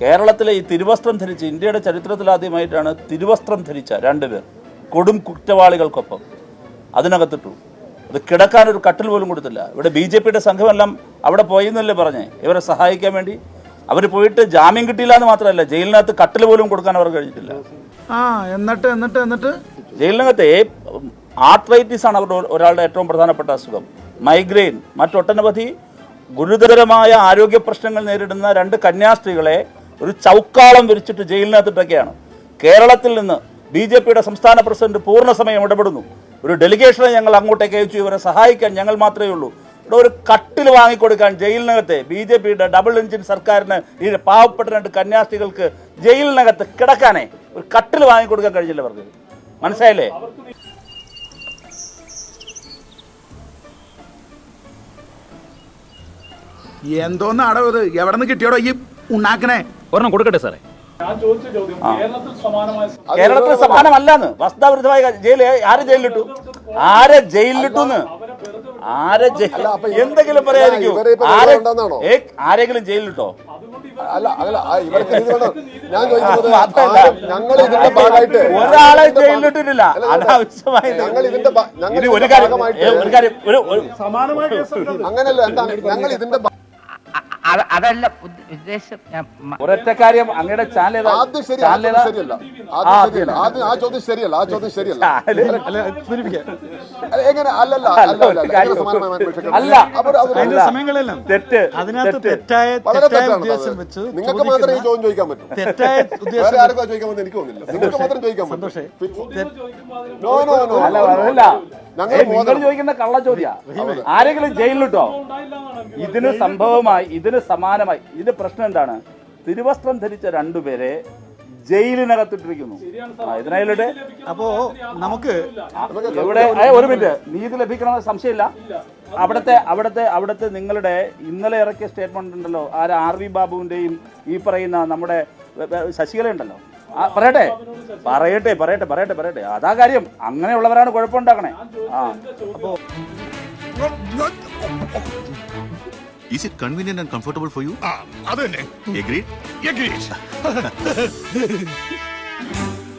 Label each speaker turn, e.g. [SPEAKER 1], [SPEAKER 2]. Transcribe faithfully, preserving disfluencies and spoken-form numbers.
[SPEAKER 1] കേരളത്തിലെ ഈ തിരുവസ്ത്രം ധരിച്ച് ഇന്ത്യയുടെ ചരിത്രത്തിലാദ്യമായിട്ടാണ് തിരുവസ്ത്രം ധരിച്ച രണ്ടുപേർ കൊടും കുറ്റവാളികൾക്കൊപ്പം അതിനകത്തിട്ടു. അത് കിടക്കാനൊരു കട്ടിൽ പോലും കൊടുത്തില്ല. ഇവിടെ ബി ജെ പിയുടെ സംഘമെല്ലാം അവിടെ പോയെന്നല്ലേ പറഞ്ഞേ ഇവരെ സഹായിക്കാൻ വേണ്ടി. അവർ പോയിട്ട് ജാമ്യം കിട്ടിയില്ല എന്ന് മാത്രമല്ല, ജയിലിനകത്ത് കട്ടിൽ പോലും കൊടുക്കാൻ അവർ കഴിഞ്ഞിട്ടില്ല.
[SPEAKER 2] ആ എന്നിട്ട് എന്നിട്ട് എന്നിട്ട്
[SPEAKER 1] ജയിലിനകത്തെ ആർത്രൈറ്റിസ് ആണ് അവരുടെ ഒരാളുടെ ഏറ്റവും പ്രധാനപ്പെട്ട അസുഖം. മൈഗ്രെയിൻ, മറ്റൊട്ടനവധി ഗുരുതരമായ ആരോഗ്യ പ്രശ്നങ്ങൾ നേരിടുന്ന രണ്ട് കന്യാസ്ത്രീകളെ ഒരു ചൗക്കാളം വിരിച്ചിട്ട് ജയിലിനകത്തിട്ടൊക്കെയാണ്. കേരളത്തിൽ നിന്ന് ബി ജെ പിയുടെ സംസ്ഥാന പ്രസിഡന്റ് പൂർണ്ണസമയം ഇടപെടുന്നു. ഒരു ഡെലിഗേഷനെ ഞങ്ങൾ അങ്ങോട്ടേക്ക് അയച്ചു, ഇവരെ സഹായിക്കാൻ ഞങ്ങൾ മാത്രമേ ഉള്ളൂ. ഇവിടെ ഒരു കട്ടിൽ വാങ്ങിക്കൊടുക്കാൻ ജയിലിനകത്തെ ബി ജെ പിയുടെ ഡബിൾ എഞ്ചിൻ സർക്കാരിന് ഈ പാവപ്പെട്ട രണ്ട് കന്യാസ്ത്രീകൾക്ക് ജയിലിനകത്ത് കിടക്കാനേ ഒരു കട്ടിൽ വാങ്ങിക്കൊടുക്കാൻ കഴിഞ്ഞില്ല അവർക്ക്. മനസ്സിലായില്ലേ?
[SPEAKER 2] എന്തോന്ന് അടവ് ഇത്? എവിടെ നിന്ന് കിട്ടിയോടോ ഈ ഉണ്ടാക്കണേ?
[SPEAKER 3] ഒരെണ്ണം കൊടുക്കട്ടെ സാറേ.
[SPEAKER 1] കേരളത്തിൽ സമാനമല്ലാന്ന് വസ്തുതാവിരുദ്ധമായ ജയിൽ. ആരെ ജയിലിലിട്ടു? ആരെ ജയിലിലിട്ടു? ആരെ എന്തെങ്കിലും പറയായിരിക്കും? ആരെങ്കിലും ജയിലിലിട്ടോ? ഒരാളെ ജയിലിലിട്ടിട്ടില്ല. അനാവശ്യമായി ഒരു കാര്യം ഒരു കാര്യം അങ്ങനല്ല. ഞങ്ങൾ ഇതിന്റെ
[SPEAKER 4] അതല്ല ഉദ്ദേശം.
[SPEAKER 1] ഒരൊറ്റ കാര്യം, അങ്ങയുടെ ചാനൽ
[SPEAKER 5] ശരിയല്ല. ആ ചോദ്യം ശരിയല്ല. ആ ചോദ്യം ശരിയല്ല. എങ്ങനെ അല്ലല്ല
[SPEAKER 1] അല്ല തെറ്റ്.
[SPEAKER 5] നിങ്ങൾക്ക് മാത്രമേ ഈ ചോദ്യം ചോദിക്കാൻ പറ്റൂ. വേറെ ആർക്കും ചോദിക്കാൻ പറ്റും എനിക്ക് തോന്നുന്നില്ല. നിങ്ങൾക്ക് മാത്രം ചോദിക്കാൻ പറ്റും. നോ നോ നോ
[SPEAKER 1] അല്ല, നിങ്ങൾ ചോദിക്കുന്ന കള്ള ചോദ്യ. ആരെങ്കിലും ജയിലിലിട്ടോ? ഇതിന് സംഭവമായി, ഇതിന് സമാനമായി. ഇതിന്റെ പ്രശ്നം എന്താണ്? തിരുവസ്ത്രം ധരിച്ച രണ്ടുപേരെ ജയിലിനകത്തിട്ടിരിക്കുന്നു. ഇതിനായിട്ട്
[SPEAKER 2] അപ്പോ നമുക്ക്
[SPEAKER 1] ഇവിടെ ഒരു മിനിറ്റ്, നീതി ലഭിക്കണമെന്ന് സംശയമില്ല. അവിടുത്തെ അവിടുത്തെ അവിടുത്തെ നിങ്ങളുടെ ഇന്നലെ ഇറക്കിയ സ്റ്റേറ്റ്മെന്റ് ഉണ്ടല്ലോ, ആര് ആർ വി ബാബുവിന്റെയും ഈ പറയുന്ന നമ്മുടെ ശശികല ഉണ്ടല്ലോ, പറയട്ടെ പറയട്ടെ പറയട്ടെ പറയട്ടെ പറയട്ടെ അതാ കാര്യം. അങ്ങനെയുള്ളവരാണ് കുഴപ്പമുണ്ടാക്കണേ. ആ അപ്പോ
[SPEAKER 6] Is it convenient and comfortable for you?
[SPEAKER 7] Ah, adenne.
[SPEAKER 6] Agreed?
[SPEAKER 7] Agreed.